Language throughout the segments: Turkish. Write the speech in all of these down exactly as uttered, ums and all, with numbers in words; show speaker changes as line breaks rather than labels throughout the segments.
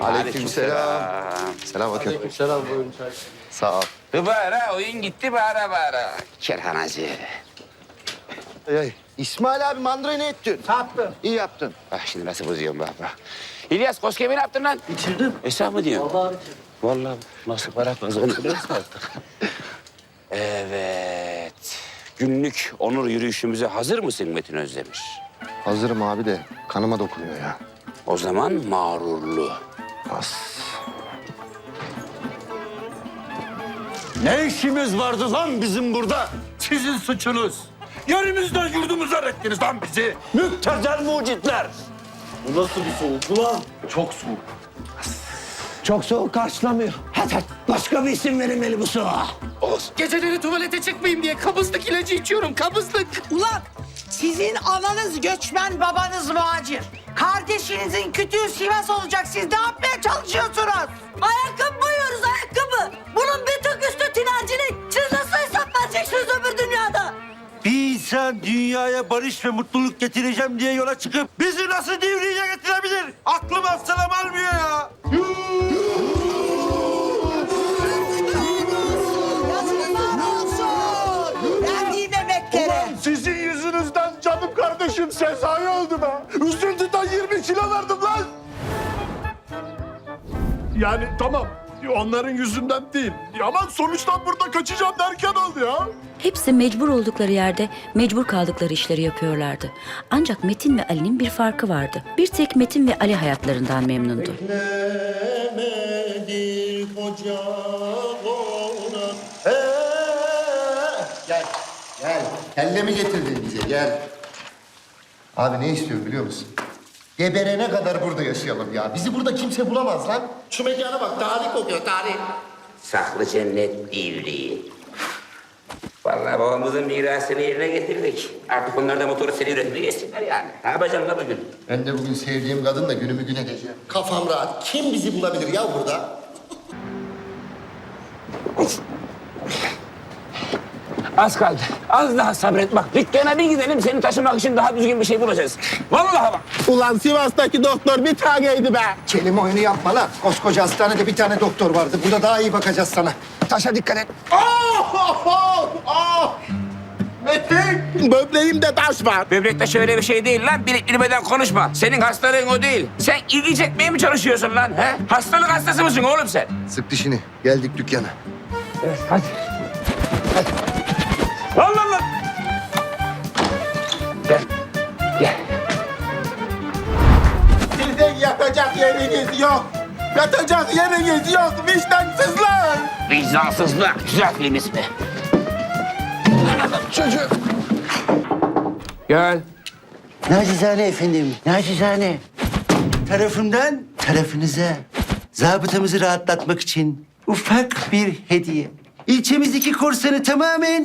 Aleykümselam. Selam bakın.
Aleykümselam, buyurun çay.
Sağ ol.
Bara oyun gitti bara bara. Kerhanacı.
Ey, ey. İsmail abi mandırayı ne ettin?
Sattım.
İyi yaptın.
Bak şimdi nasıl bozuyorum bak bak. İlyas Koskemi ne yaptın lan?
İçirdim.
Esnaf mı diyorsun?
Vallahi içirdim.
Vallahi nasıl para kazanıyoruz artık. Evet. Günlük onur yürüyüşümüze hazır mısın Metin Özdemir?
Hazırım abi de kanıma dokunuyor ya.
O zaman mağrurlu.
As.
Ne işimiz vardı lan bizim burada? Sizin suçunuz. Yerimizden yurdumuzdan ettiniz lan bizi. Müptezel mucitler.
Bu nasıl bir soğuk ulan? Çok soğuk.
Çok soğuk karşılamıyor. Hadi hadi. Başka bir isim verilmeli bu soğuğa.
Geceleri tuvalete çıkmayayım diye kabızlık ilacı içiyorum, kabızlık.
Ulan sizin ananız göçmen, babanız muhacir. Kardeşinizin kütüğü Sivas olacak. Siz ne yapmaya çalışıyorsunuz? Ayakkabı boyuyoruz, ayakkabı. Bunun bir tık üstü tinercilik. Siz nasıl hesap vereceksiniz öbür dünyada?
Bir insan dünyaya barış ve mutluluk getireceğim diye yola çıkıp bizi nasıl divriye getirebilir? Aklım aslanım almıyor ya.
Yazıklar olsun. Verdiğim emeklere.
Sizin yüzünüzden canım kardeşim Sezai öldü be. Üzüntüden yirmi kilo verdim lan. Yani tamam onların yüzünden değil. Ama sonuçtan burada kaçacağım derken oldu ya.
Hepsi mecbur oldukları yerde mecbur kaldıkları işleri yapıyorlardı. Ancak Metin ve Ali'nin bir farkı vardı. Bir tek Metin ve Ali hayatlarından memnundu.
Gel, gel. Kelle mi getirdin bize? Gel. Abi ne istiyor biliyor musun? Geberene kadar burada yaşayalım ya. Bizi burada kimse bulamaz lan. Şu mekana bak, tarih kokuyor, tarih.
Saklı cennet divriği. Vallahi babamızın mirasını yerine getirdik. Artık onlar da motoru seri üretmeye geçsinler yani. Ne yapacaksın la bugün?
Ben de bugün sevdiğim kadınla günümü gün edeceğim. Kafam rahat. Kim bizi bulabilir ya burada?
Az kaldı. Az daha sabret bak. Dükkana bir gidelim seni taşımak için daha düzgün bir şey bulacağız. Vallahi bak.
Ulan Sivas'taki doktor bir taneydi be.
Kelime oyunu yapma lan. Koskoca hastanede bir tane doktor vardı. Burada daha iyi bakacağız sana. Taşa dikkat et.
Oh, oh, oh, oh. Metin, böbreğimde taş var.
Böbrekte şöyle bir şey değil lan. Bilip bilmeden konuşma. Senin hastalığın o değil. Sen ilgi çekmeye mi çalışıyorsun lan? He? Hastalık hastası mısın oğlum sen?
Sık dişini. Geldik dükkana.
Evet hadi. Hadi. Lan lan lan. Gel. Gel.
Sizin yatacak yeriniz yok. Yatacak yeriniz yok vicdansızlar.
Vicdansızlık. Güzel film ismi. Çocuğum. Gel.
Nacizane efendim, nacizane. Tarafımdan tarafınıza zabıtamızı rahatlatmak için ufak bir hediye. İlçemizdeki korsanı tamamen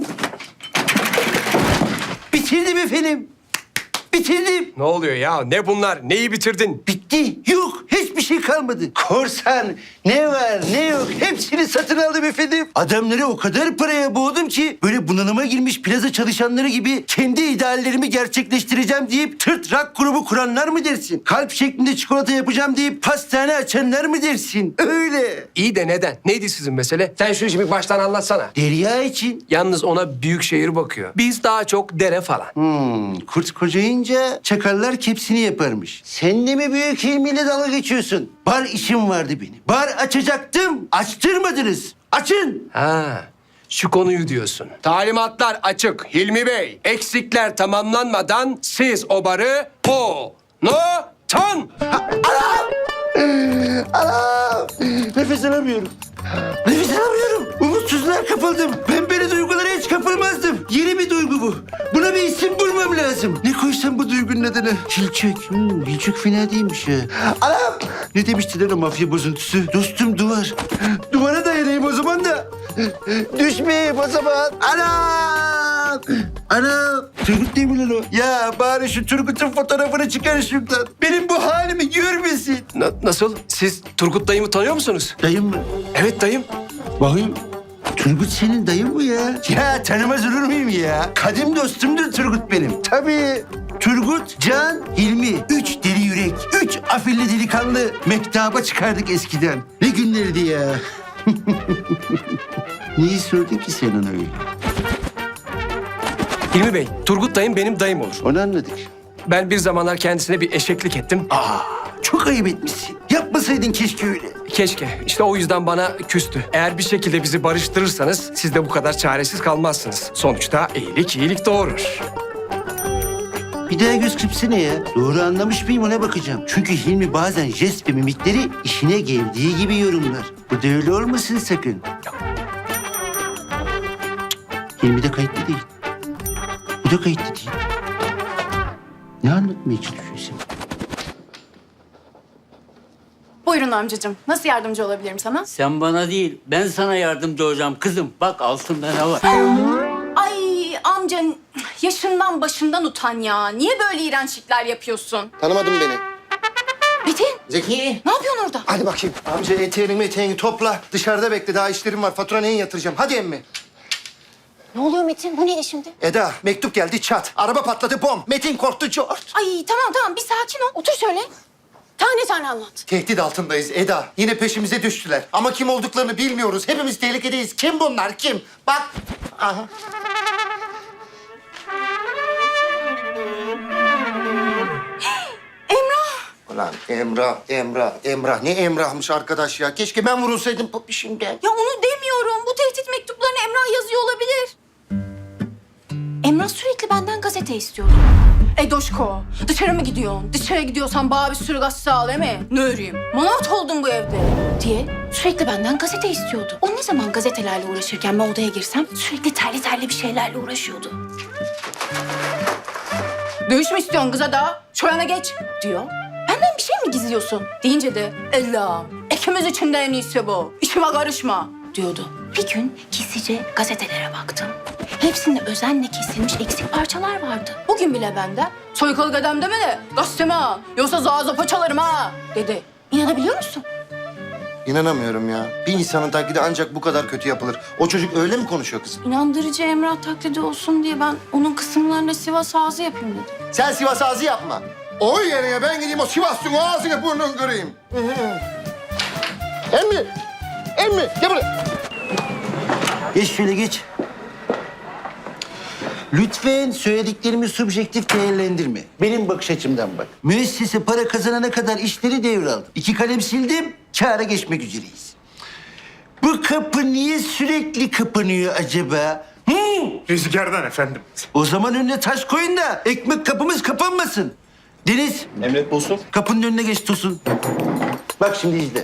bitirdim efendim. Bitirdim.
Ne oluyor ya? Ne bunlar? Neyi bitirdin?
Bitti. Yok. Hiçbir şey kalmadı. Korsan ne var ne yok hepsini satın aldım efendim. Adamları o kadar paraya boğdum ki böyle bunalıma girmiş plaza çalışanları gibi kendi ideallerimi gerçekleştireceğim deyip tırt rock grubu kuranlar mı dersin? Kalp şeklinde çikolata yapacağım deyip pastane açanlar mı dersin? Öyle.
İyi de neden? Neydi sizin mesele? Sen şu işi bir baştan anlatsana.
Derya için.
Yalnız ona büyük şehir bakıyor. Biz daha çok dere falan.
Hmm, kurt kocayınca çakallar kepsini yaparmış. Sen de mi büyük ilmiyle dalga geçiyorsun? Bar işim vardı benim. Bar açacaktım. Açtırmadınız. Açın.
Ha, şu konuyu diyorsun. Talimatlar açık Hilmi Bey. Eksikler tamamlanmadan siz o barı o no tan.
Anam! Nefes alamıyorum. Nefes alamıyorum. Umutsuzluğa kapıldım. Ben böyle duygulara hiç kapılmazdım. Yeni bir duygu bu. Buna bir isim bulmam lazım. Ne koysam bu duygunun adını? Hilçek. Hmm, Hilçek fena değilmiş ya. Anam! Ne demiştiler o mafya bozuntusu? Dostum duvar. Duvara dayanayım o zaman da. Düşmeyeyim o zaman. Anam! Anam! Turgut değil mi lan o? Ya bari şu Turgut'un fotoğrafını çıkar şuradan. Benim bu halimi görmesin.
Na- nasıl? Siz Turgut dayımı tanıyor musunuz?
Dayım mı?
Evet dayım.
Bakayım. Turgut senin dayın mı ya? Ya tanımaz olur muyum ya? Kadim dostumdur Turgut benim. Tabii. Turgut, Can, Hilmi. Üç deli yürek. Üç afilli delikanlı mektaba çıkardık eskiden. Ne günlerdi ya. Niye sordun ki sen ona öyle?
Hilmi Bey, Turgut dayım benim dayım olur.
Onu anladık.
Ben bir zamanlar kendisine bir eşeklik ettim.
Aa, çok ayıp etmişsin. Yapmasaydın keşke öyle.
Keşke. İşte o yüzden bana küstü. Eğer bir şekilde bizi barıştırırsanız siz de bu kadar çaresiz kalmazsınız. Sonuçta iyilik iyilik doğurur.
Bir daha göz kırpsana ya. Doğru anlamış mıyım ona bakacağım. Çünkü Hilmi bazen jest ve mimikleri işine geldiği gibi yorumlar. Bu da öyle olmasın sakın. Cık, Hilmi de kayıtlı değil. Bu da kayıtlı değil. Ne anlatmaya çalışıyorsun?
Buyurun amcacığım. Nasıl yardımcı olabilirim sana?
Sen bana değil, ben sana yardımcı olacağım kızım. Bak altında ne var?
Ay amca yaşından başından utan ya. Niye böyle iğrençlikler yapıyorsun?
Tanımadın beni.
Metin
Zeki.
ne yapıyorsun orada?
Hadi bakayım. Amca eteğini meteğini topla. Dışarıda bekle. Daha işlerim var. Fatura neyin yatıracağım? Hadi emmi.
Ne oluyor Metin? Bu ne şimdi?
Eda mektup geldi çat. Araba patladı bom. Metin korktu cort.
Ay tamam tamam bir sakin ol. Otur şöyle. Tane tane anlat.
Tehdit altındayız Eda. Yine peşimize düştüler. Ama kim olduklarını bilmiyoruz. Hepimiz tehlikedeyiz. Kim bunlar? Kim? Bak. Aha.
Emrah.
Ulan Emrah, Emrah, Emrah. Ne Emrah'mış arkadaş ya. Keşke ben vurulsaydım şimdiden.
Ya onu demiyorum. Bu tehdit mektuplarını Emrah yazıyor olabilir. Emrah sürekli benden gazete istiyordu. Edoşko, dışarı mı gidiyorsun? Dışarı gidiyorsan bana bir sürü gazete al, değil mi? Ne öreyim? Manavt oldun bu evde. Diye sürekli benden gazete istiyordu. O ne zaman gazetelerle uğraşırken ben odaya girsem sürekli terli terli bir şeylerle uğraşıyordu. Dövüş mü istiyorsun kıza da? Şu yana geç diyor. Benden bir şey mi gizliyorsun? Deyince de Allah'ım ikimiz için de en iyisi bu. İşime karışma diyordu. Bir gün gizlice gazetelere baktım. Hepsinde özenle kesilmiş eksik parçalar vardı. Bugün bile benden soykalı dedem deme de gazeteme ha. Yoksa zaza paçalarım ha dedi. İnanabiliyor musun?
İnanamıyorum ya. Bir insanın taklidi ancak bu kadar kötü yapılır. O çocuk öyle mi konuşuyor kızım?
İnandırıcı Emrah taklidi olsun diye ben onun kısımlarına Sivas ağzı yapayım dedim.
Sen Sivas ağzı yapma. O yerine ben gideyim o Sivas'ın ağzını burnunu kırayım. Emmi! Emmi! Gel buraya.
Geç şöyle geç. Lütfen söylediklerimi subjektif değerlendirme. Benim bakış açımdan bak. Müessese para kazanana kadar işleri devraldım. İki kalem sildim, kâra geçmek üzereyiz. Bu kapı niye sürekli kapanıyor acaba? Hı?
Rüzgardan efendim.
O zaman önüne taş koyun da ekmek kapımız kapanmasın. Deniz,
Emret Bosun.
kapının önüne geç Tosun. Bak şimdi izle.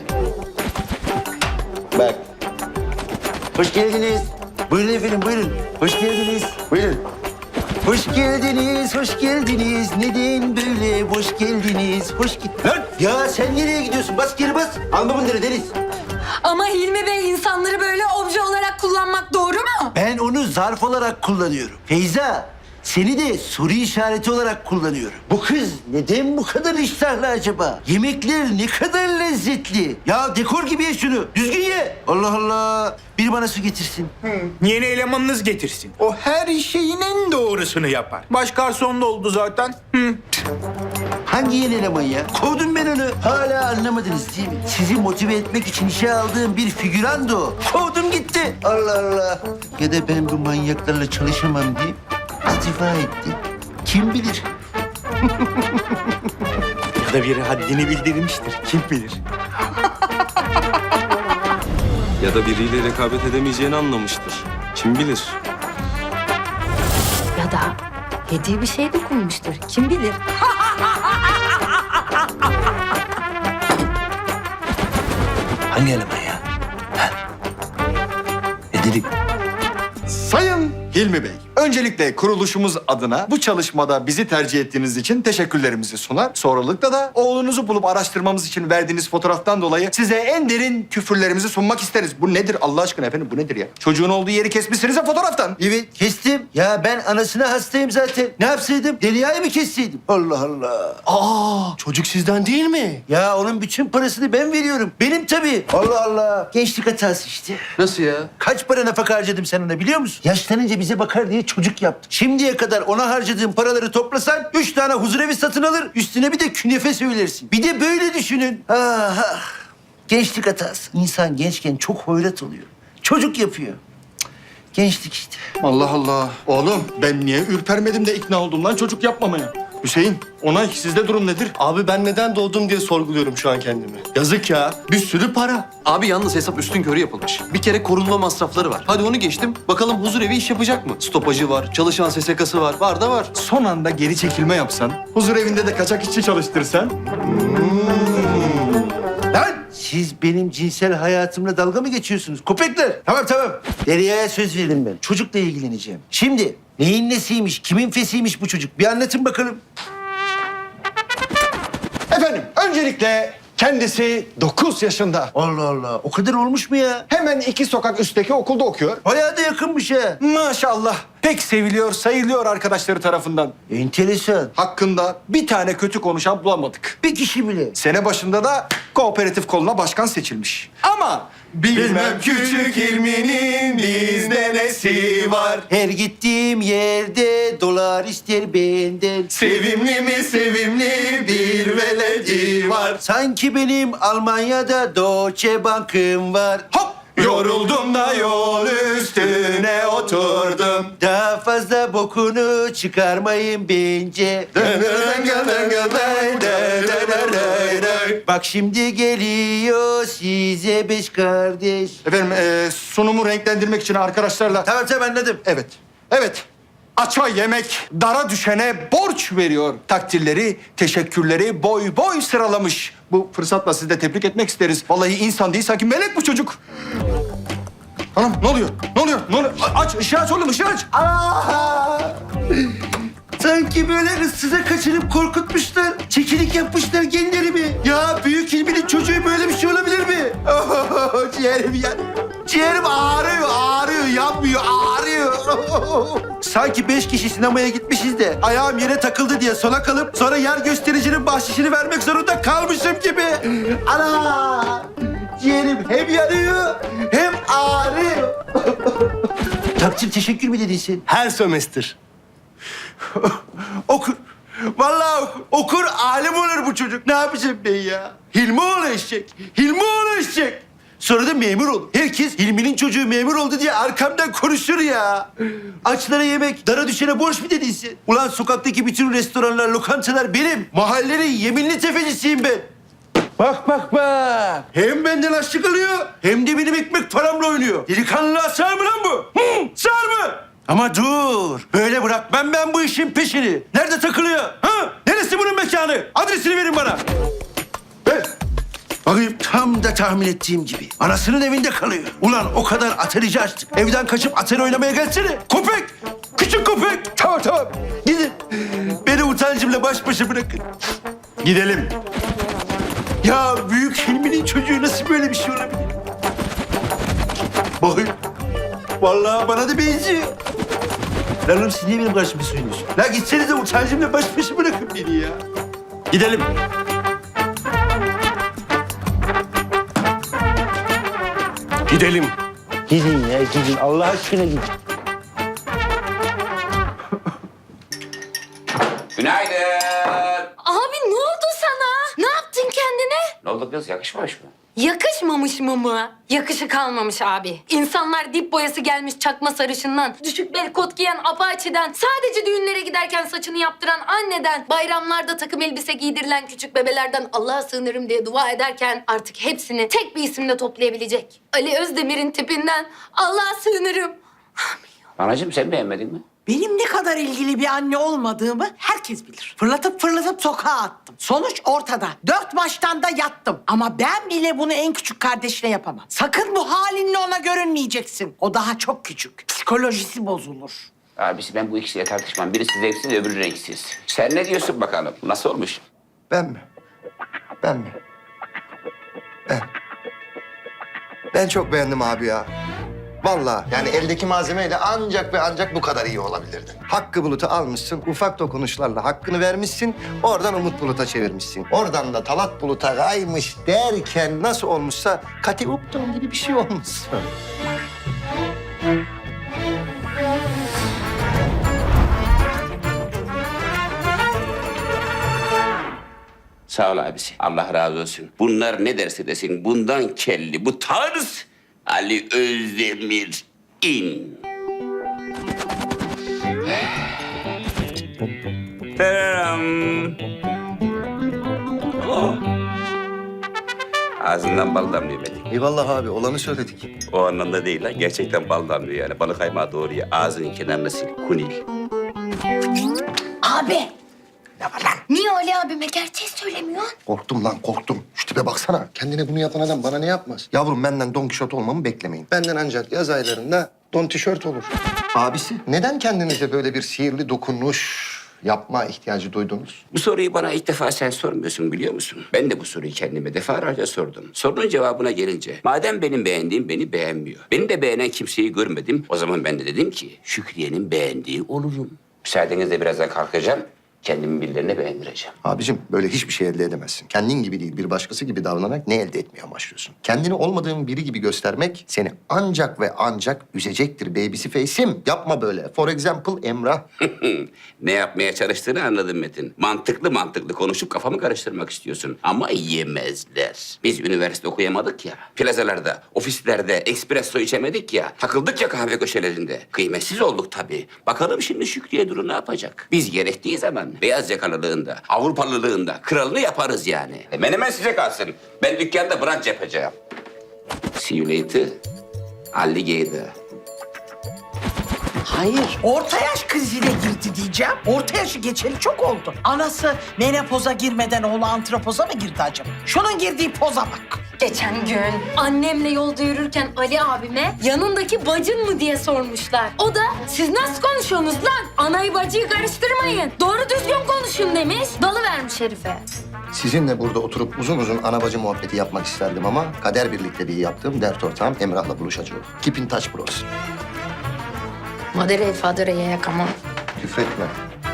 Bak. Hoş geldiniz. Buyurun efendim, buyurun. Hoş geldiniz. Buyurun. Hoş geldiniz, hoş geldiniz. Neden böyle hoş geldiniz? Hoş git. Lan ya sen nereye gidiyorsun? Bas geri bas. Alma bunları Deniz.
Ama Hilmi Bey insanları böyle obje olarak kullanmak doğru mu?
Ben onu zarf olarak kullanıyorum. Feyza, seni de soru işareti olarak kullanıyorum. Bu kız neden bu kadar iştahlı acaba? Yemekler ne kadar lezzetli. Ya dekor gibi ye şunu. Düzgün ye. Allah Allah. Biri bana su getirsin.
Yeni elemanınız getirsin. O her şeyin en doğrusunu yapar. Baş garson da oldu zaten. Hı.
Hangi yeni eleman ya? Kovdum ben onu. Hala anlamadınız değil mi? Sizi motive etmek için işe aldığım bir figürandı o. Kovdum gitti. Allah Allah. Ya da ben bu manyaklarla çalışamam deyip istifa etti. Kim bilir?
Ya da biri haddini bildirmiştir. Kim bilir?
Ya da biriyle rekabet edemeyeceğini anlamıştır. Kim bilir?
Ya da hediye bir şey dokunmuştur. Kim bilir?
Hangi eleman ya? Ha? Ne dedik?
Sayın Hilmi Bey, öncelikle kuruluşumuz adına bu çalışmada bizi tercih ettiğiniz için teşekkürlerimizi sunar. Sonralıkta da oğlunuzu bulup araştırmamız için verdiğiniz fotoğraftan dolayı size en derin küfürlerimizi sunmak isteriz. Bu nedir Allah aşkına efendim, bu nedir ya? Çocuğun olduğu yeri kesmişsiniz ya fotoğraftan.
Evet kestim. Ya ben anasına hastayım zaten. Ne yapsaydım? Derya'yı mı kesseydim? Allah Allah.
Aa, çocuk sizden değil mi?
Ya onun bütün parasını ben veriyorum. Benim tabii. Allah Allah. Gençlik hatası işte.
Nasıl ya?
Kaç para nafaka harcadım sen ona biliyor musun? Yaşlanınca bize bakar diye çocuk yaptım. Şimdiye kadar ona harcadığım paraları toplasan üç tane huzurevi satın alır. Üstüne bir de künefe söylersin. Bir de böyle düşünün. Ah, ah. Gençlik hatası. İnsan gençken çok hoyrat oluyor. Çocuk yapıyor. Cık, gençlik işte.
Allah Allah. Oğlum ben niye ürpermedim de ikna oldum lan çocuk yapmamaya? Hüseyin, Onay sizde durum nedir?
Abi ben neden doğdum diye sorguluyorum şu an kendimi. Yazık ya. Bir sürü para.
Abi yalnız hesap üstün körü yapılmış. Bir kere korunma masrafları var. Hadi onu geçtim. Bakalım huzurevi iş yapacak mı? Stopajı var, çalışan S S K'sı var. Var da var.
Son anda geri çekilme yapsan, huzur evinde de kaçak işçi çalıştırsan.
Lan siz benim cinsel hayatımla dalga mı geçiyorsunuz? Köpekler. Tamam tamam. Derya'ya söz verdim ben. Çocukla ilgileneceğim. Şimdi neyin nesiymiş, kimin fesiymiş bu çocuk? Bir anlatın bakalım.
Efendim, öncelikle kendisi dokuz yaşında.
Allah Allah. O kadar olmuş mu ya?
Hemen iki sokak üstteki okulda okuyor.
Bayağı da yakınmış ha.
Maşallah. Pek seviliyor, sayılıyor arkadaşları tarafından.
Enteresan.
Hakkında bir tane kötü konuşan bulamadık.
Bir kişi bile.
Sene başında da kooperatif koluna başkan seçilmiş. Ama bilmem küçük ilminin bizde nesi var.
Her gittiğim yerde dolar ister benden.
Sevimli mi sevimli bir veledi var.
Sanki benim Almanya'da Deutsche Bank'ım var.
Hop! Yoruldum da yol üstüne oturdum.
Daha fazla bokunu çıkarmayın bence. Bak şimdi geliyor size beş kardeş.
Efendim e, sunumu renklendirmek için arkadaşlarla...
Tamam tamam anladım.
Evet, evet. Aça yemek, dara düşene borç veriyor. Takdirleri, teşekkürleri boy boy sıralamış. Bu fırsatla sizi de tebrik etmek isteriz. Vallahi insan değil, sanki melek bu çocuk. Anam ne oluyor? Ne oluyor? Ne oluyor? A- Aç, ışığı aç oğlum, ışığı aç.
Aa! Sanki böyle ıssıza kaçırıp korkutmuşlar. Çekilik yapmışlar genlerimi. Ya büyük ilminin çocuğu böyle bir şey olabilir mi? Oh, ciğerim ya. Ciğerim ağrıyor, ağrıyor, yanmıyor, ağrıyor. Sanki beş kişi sinemaya gitmişiz de ayağım yere takıldı diye sona kalıp sonra yer göstericinin bahşişini vermek zorunda kalmışım gibi. Ana! Ciğerim hem yanıyor hem ağrıyor. Takdir teşekkür mü dedin sen?
Her sömestr.
Okur. Vallahi okur. Okur alim olur bu çocuk. Ne yapacağım ben ya? Hilmi oğlu eşek. Hilmi oğlu eşek. Sonra da memur olur. Herkes Hilmi'nin çocuğu memur oldu diye arkamdan konuşur ya. Açlara yemek, dara düşene borç mu dedin sen? Ulan sokaktaki bütün restoranlar, lokantalar benim. Mahallenin yeminli tefecisiyim ben. Bak bak bak. Hem benden açlık alıyor hem de benim ekmek paramla oynuyor. Delikanlılığa sığar mı lan bu? Hı, sığar mı? Ama dur. Böyle bırakmam ben bu işin peşini. Nerede takılıyor? Ha? Neresi bunun mekanı? Adresini verin bana. Ver. Bakayım tam da tahmin ettiğim gibi. Anasının evinde kalıyor. Ulan o kadar atarici açtık. Evden kaçıp atari oynamaya gelsene. Köpek! Küçük köpek! Tamam tamam. Gidin. Beni utancımla baş başa bırakın.
Gidelim.
Ya büyük Hilmi'nin çocuğu nasıl böyle bir şey olabilir? Bakın. Vallahi bana da benziyor. Lan oğlum siz niye benim karşıma söylüyorsun? La gitsenize utancımla baş başa bırakın beni ya.
Gidelim.
Gidelim.
Gidin ya gidin. Allah aşkına gidin.
Günaydın.
Abi ne oldu sana? Ne yaptın kendine?
Ne oldu kız? Yakışmamış mı?
Yakışmamış mı mı? Yakışı kalmamış abi. İnsanlar dip boyası gelmiş çakma sarışından, düşük bel kot giyen Apache'den, sadece düğünlere giderken saçını yaptıran anneden, bayramlarda takım elbise giydirilen küçük bebelerden Allah'a sığınırım diye dua ederken artık hepsini tek bir isimle toplayabilecek Ali Özdemir'in tipinden Allah'a sığınırım.
Anacığım sen beğenmedin mi?
Benim ne kadar ilgili bir anne olmadığımı herkes bilir. Fırlatıp fırlatıp sokağa attım. Sonuç ortada. Dört maçtan da yattım. Ama ben bile bunu en küçük kardeşine yapamam. Sakın bu halinle ona görünmeyeceksin. O daha çok küçük. Psikolojisi bozulur.
Abisi ben bu ikisiyle tartışmam. Birisi zevksiz, öbürü renksiz. Sen ne diyorsun bakalım? Nasıl olmuş?
Ben mi? Ben mi? Ben. Ben çok beğendim abi ya. Vallahi yani eldeki malzemeyle ancak ve ancak bu kadar iyi olabilirdin. Hakkı Bulut'u almışsın, ufak dokunuşlarla hakkını vermişsin, oradan Umut Bulut'a çevirmişsin. Oradan da Talat Bulut'a kaymış derken nasıl olmuşsa Kati Upton gibi bir şey olmuşsun.
Sağ ol abisi. Allah razı olsun. Bunlar ne derse desin bundan kelli bu tarz Ali Özdemir in. Tararam. Oh. Ağzından bal damlıyor Metin.
Eyvallah abi, olanı söyledik.
O anlamda değil lan. Gerçekten bal damlıyor yani. Balık kaymağı doğru ya. Ağzının kenarına sil. Kunil.
Abi.
Niye Ali abime gerçeği söylemiyorsun?
Korktum lan, korktum. Şu tipe baksana. Kendine bunu yapan adam bana ne yapmaz? Yavrum, benden Don Kişot olmamı beklemeyin. Benden ancak yaz aylarında Don Tişört olur. Abisi, neden kendinize böyle bir sihirli dokunuş yapma ihtiyacı duydunuz?
Bu soruyu bana ilk defa sen sormuyorsun biliyor musun? Ben de bu soruyu kendime defalarca sordum. Sorunun cevabına gelince madem benim beğendiğim beni beğenmiyor. Beni de beğenen kimseyi görmedim. O zaman ben de dedim ki Şükriye'nin beğendiği olurum. Müsaadenizle birazdan kalkacağım. Kendimi birilerine beğendireceğim.
Abicim, böyle hiçbir şey elde edemezsin. Kendin gibi değil, bir başkası gibi davranarak ne elde etmeye başlıyorsun? Kendini olmadığın biri gibi göstermek seni ancak ve ancak üzecektir babysi face'im. Yapma böyle. For example Emrah.
Ne yapmaya çalıştığını anladım Metin. Mantıklı mantıklı konuşup kafamı karıştırmak istiyorsun. Ama yemezler. Biz üniversite okuyamadık ya. Plazalarda, ofislerde espresso içemedik ya. Takıldık ya kahve köşelerinde. Kıymetsiz olduk tabii. Bakalım şimdi Şükriye Duru ne yapacak? Biz gerektiği zaman beyaz yakalılığında, Avrupalılığında kralını yaparız yani. E, menemen size kalsın. Ben dükkanda brunch yapacağım. See you later. Alligator.
Hayır. Orta yaş krizine girdi diyeceğim. Orta yaşı geçeli çok oldu. Anası menopoza girmeden oğlu antropoza mı girdi acaba? Şunun girdiği poza bak.
Geçen gün annemle yolda yürürken Ali abime yanındaki bacın mı diye sormuşlar. O da siz nasıl konuşuyorsunuz lan? Anayı bacıyı karıştırmayın. Doğru düzgün konuşun demiş. Dalıvermiş herife.
Sizinle burada oturup uzun uzun ana bacı muhabbeti yapmak isterdim ama kader birlikteliği yaptığım dert ortağım Emrah'la buluşacağım. Keep in touch bros.
Madere fadereye yakama.
Küfretme.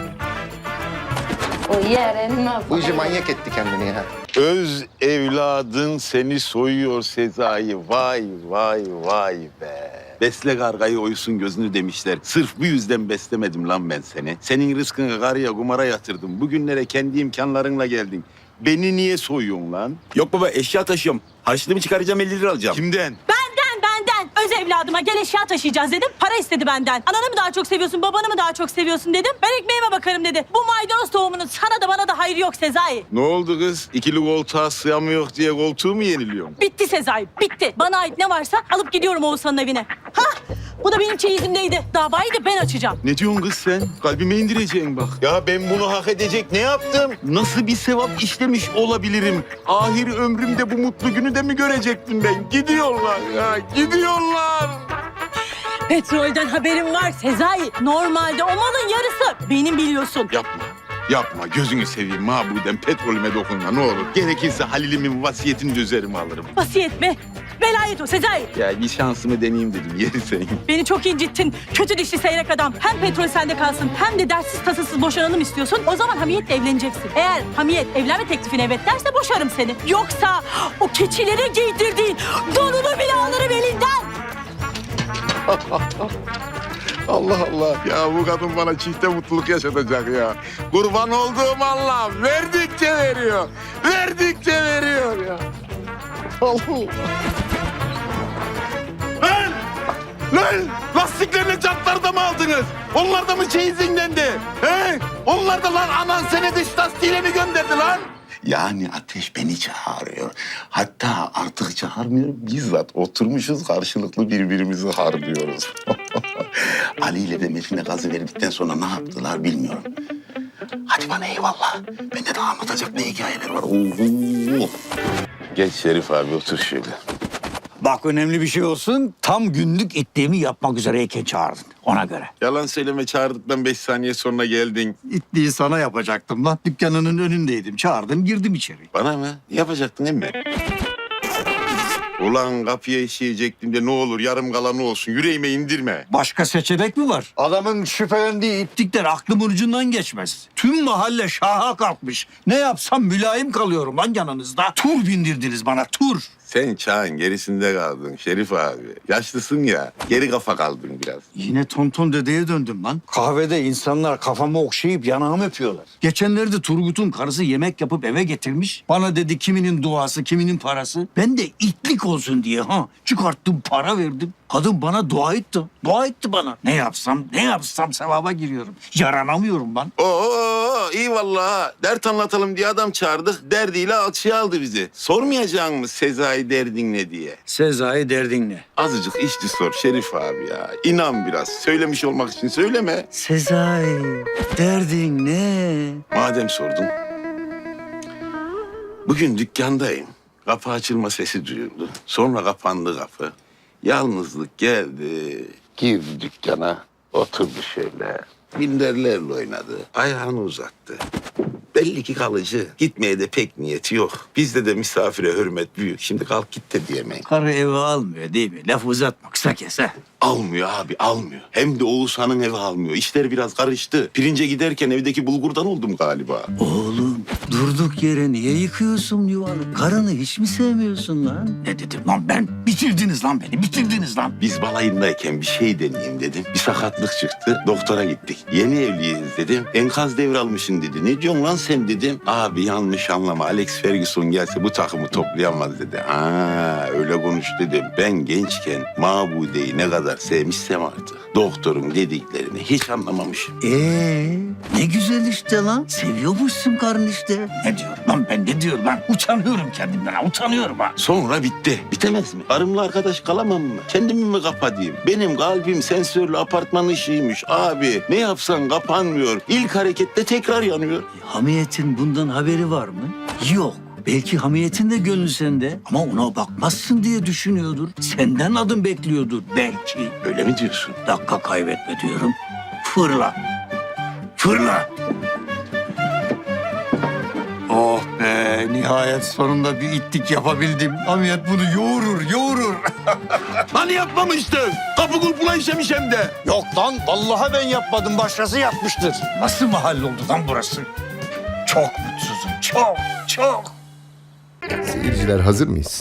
O yerin
Bu iyice manyak etti kendini ya.
Öz evladın seni soyuyor Sezai. Vay vay vay be. Besle kargayı oysun gözünü demişler. Sırf bu yüzden beslemedim lan ben seni. Senin rızkını karıya kumara yatırdım. Bugünlere kendi imkanlarınla geldin. Beni niye soyuyorsun lan?
Yok baba eşya taşıyorum. Harçlığımı çıkaracağım elli lira alacağım.
Kimden?
Benden, benden. Öz evladıma gel eşya taşıyacağız dedim. Para istedi benden. Ananı mı daha çok seviyorsun, babanı mı daha çok seviyorsun dedim. Ben ekmeğime bakarım dedi. Bu maydanoz tohumunun sana da bana da hayır yok Sezai.
Ne oldu kız? İkili koltuğa sığamıyor diye koltuğu mu yeniliyorsun?
Bitti Sezai, bitti. Bana ait ne varsa alıp gidiyorum Oğuzhan'ın evine. Hah, bu da benim çeyizimdeydi. Davayı da ben açacağım.
Ne diyorsun kız sen? Kalbime indireceksin bak. Ya ben bunu hak edecek ne yaptım? Nasıl bir sevap işlemiş olabilirim? Ahir ömrümde bu mutlu günü de mi görecektim ben? Gidiyorlar ya, gidiyorlar.
Petrolden haberim var Sezai. Normalde o malın yarısı benim biliyorsun.
Yapma. Yapma. Gözünü seveyim mabuden petrolüme dokunma ne olur. Gerekirse Halil'imin vasiyetini de üzerime alırım.
Vasiyet mi? Velayet o Sezai.
Ya bir şansımı deneyeyim dedim. Yeri senin.
Beni çok incittin. Kötü dişli seyrek adam. Hem petrol sende kalsın hem de dertsiz tasasız boşanalım istiyorsun. O zaman Hamiyet'le evleneceksin. Eğer Hamiyet evlenme teklifine evet derse boşarım seni. Yoksa o keçilere giydirdiğin donunu bile alırım elinden.
Allah Allah. Ya bu kadın bana çifte mutluluk yaşatacak ya. Kurban olduğum Allah verdikçe veriyor. Verdikçe veriyor ya. Allah. Lan! Lan! Lastiklerini jantları da mı aldınız? Onlar da mı çeyizindendi? He? Onlar da lan anan seni dış lastiğiyle mi gönderdi lan? Yani Ateş beni çağırıyor. Hatta artık çağırmıyor. Bizzat oturmuşuz karşılıklı birbirimizi harlıyoruz. Ali ile de Metin'e gazı verdikten sonra ne yaptılar bilmiyorum. Hadi bana eyvallah. Bende de anlatacak ne hikayeler var. Oo. Geç Şerif abi otur şöyle.
Bak önemli bir şey olsun. Tam günlük itliğimi yapmak üzereyken çağırdın. Ona göre.
Yalan söyleme çağırdıktan beş saniye sonra geldin.
İtliği sana yapacaktım lan. Dükkanının önündeydim. Çağırdın girdim içeri.
Bana mı? Yapacaktın değil mi? Ulan kapıya işeyecektim de ne olur yarım kalanı olsun. Yüreğime indirme.
Başka seçenek mi var? Adamın şüphelendiği itlikler aklımın ucundan geçmez. Tüm mahalle şaha kalkmış. Ne yapsam mülayim kalıyorum lan yanınızda. Tur bindirdiniz bana, tur.
Sen çağın gerisinde kaldın Şerif abi. Yaşlısın ya, geri kafa kaldın biraz.
Yine tonton dedeye döndüm lan. Kahvede insanlar kafamı okşayıp yanağımı öpüyorlar. Geçenlerde Turgut'un karısı yemek yapıp eve getirmiş. Bana dedi kiminin duası, kiminin parası. Ben de itlik olsun diye ha çıkarttım, para verdim. Kadın bana dua etti. Dua etti bana. Ne yapsam, ne yapsam sevaba giriyorum. Yaranamıyorum lan.
Oo iyi vallahi. Dert anlatalım diye adam çağırdık. Derdiyle alçıya aldı bizi. Sormayacak mı Sezai derdin ne diye?
Sezai derdin ne?
Azıcık işçi sor Şerif abi ya. İnan biraz. Söylemiş olmak için söyleme.
Sezai derdin ne?
Madem sordun. Bugün dükkandayım. Kapı açılma sesi duyuldu. Sonra kapandı kapı. Yalnızlık geldi. Girdi dükkana. Oturdu şöyle. Minderlerle oynadı. Ayağını uzattı. Belli ki kalıcı. Gitmeye de pek niyeti yok. Bizde de misafire hürmet büyük. Şimdi kalk git de diyemeyin.
Karı eve almıyor değil mi? Laf uzatma kısa kes ha.
Almıyor abi almıyor. Hem de Oğuzhan'ın evi almıyor. İşler biraz karıştı. Pirince giderken evdeki bulgurdan oldum galiba.
Oğlum durduk yere niye yıkıyorsun yuvanı? Karını hiç mi sevmiyorsun lan? Ne dedim lan ben? Bitirdiniz lan beni, bitirdiniz lan.
Biz balayındayken bir şey deneyeyim dedim. Bir sakatlık çıktı. Doktora gittik. Yeni evliyiz dedim. Enkaz devralmışsın dedi. Ne diyorsun lan sen dedim. Abi yanlış anlama. Alex Ferguson gelse bu takımı toplayamaz dedi. Ha öyle konuş dedim. Ben gençken Mabude'yi ne kadar sevmişsem artık. Doktorun dediklerini hiç anlamamışım.
Ee, ne güzel işte lan. Seviyormuşsun karın işte. Ne diyorum lan ben, ne diyorum lan? Utanıyorum kendimden ha, utanıyorum ha.
Sonra bitti. Bitemez mi? Karımla arkadaş kalamam mı? Kendimi mi kapatayım? Benim kalbim sensörlü apartman ışığıymış abi. Ne yapsan kapanmıyor. İlk harekette tekrar yanıyor.
Hamiyetin bundan haberi var mı? Yok. Belki hamiyetin de gönlü sende ama ona bakmazsın diye düşünüyordur. Senden adım bekliyordur belki.
Öyle mi diyorsun?
Dakika kaybetme diyorum. Fırla. Fırla. Oh be, nihayet sonunda bir itlik yapabildim. Hamiyet bunu yoğurur, yoğurur.
Hani yapmamıştın? Kapı kulpuna işemiş hem de.
Yok lan, vallahi ben yapmadım. Başkası yapmıştır. Nasıl mahalle oldu lan burası? Çok mutsuzum, çok, çok.
Seyirciler hazır mıyız?